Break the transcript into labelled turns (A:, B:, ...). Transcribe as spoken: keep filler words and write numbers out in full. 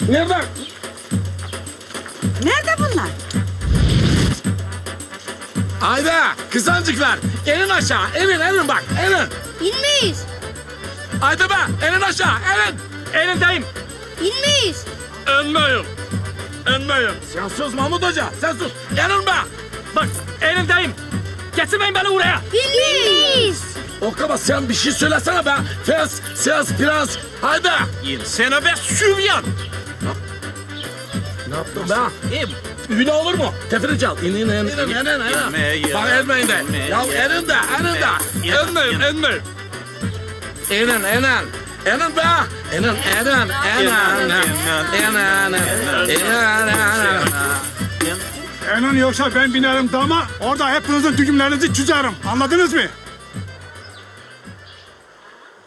A: Nerede?
B: Nerede bunlar?
A: Haydi kızancıklar. Elin aşağı. Elin elin bak. Elin.
C: İnmeyiz.
A: Haydi be. Elin aşağı. Elin.
D: Elindeyim.
C: İnmeyiz.
A: Önmeyim. Önmeyim. Sen sus Mahmut Hoca. Sen sus. Elin be.
D: Bak elindeyim. Getirmeyin beni buraya.
C: İnmeyiz.
A: O kadar sen bir şey söylesene be. Fes, ses, prens. Haydi.
D: İnsene ve süvyan.
A: Ne yaptın be? Üne olur mu? Tefiri çal. İn in in. İn in in in. Bak elmeyin de. Ya elin de elin de. Elmeyin elmeyin. İnin inin. İnin be. İnin inin inin. İnin inin.
E: Enon yoksa ben binerim dama, orada hepinizin düğümlerinizi çözerim. Anladınız mı?